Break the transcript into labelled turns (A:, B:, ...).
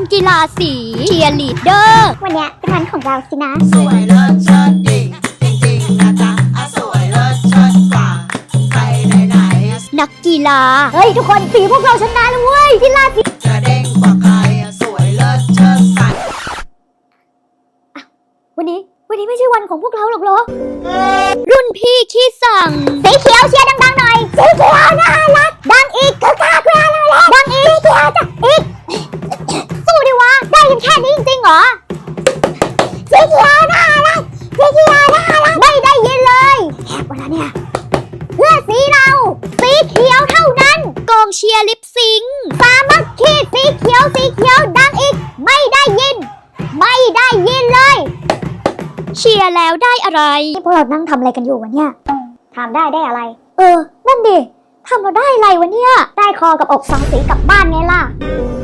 A: กีฬาสีเชียร์ลีดเดอร์
B: วันเนี้ยเป็นวันของเราสินะ
C: สวยเลิศเชิดดิ่งจริงๆนะจ๊ะสวยเลิศเชิดกว่าใครไหน
A: นักกีฬา
B: เฮ้ยทุกคนสีพวกเราชนะแล้วเว้ยกีฬาสี
C: จะเด้งกว่าใครสวยเลิศเชิดใส
B: วันนี้ไม่ใช่วันของพวกเราหรอกเหรอ
A: รุ่นพี่ขี้สั่ง
B: สีเขียวเชียร์ดังๆหน่อยสีเขียวน่ารักดังอีกคือกล้าเพื่อนเลยดังอีกสีเขียวจ้ะอีกสู้ดิวะได้ยินแค่นี้จริงๆเหรอสีเขียวน่ารักสีเขียวน่ารักไม่ได้ยินเลยแอบวันละเนี่ยเพื่อสีเราสีเขียวเท่านั้น
A: กองเชียร์ลิปซิง
B: สามัคคีสีเขียวดังอีกไม่ได้ยินเลย
A: เชียร์แล้วได้อะไร
B: พวกเรานั่งทำอะไรกันอยู่วะเนี่ยทำได้อะไรนั่นดิทำเราได้อะไรวะเนี่ยได้คอกับอกสองสีกลับบ้านไงล่ะ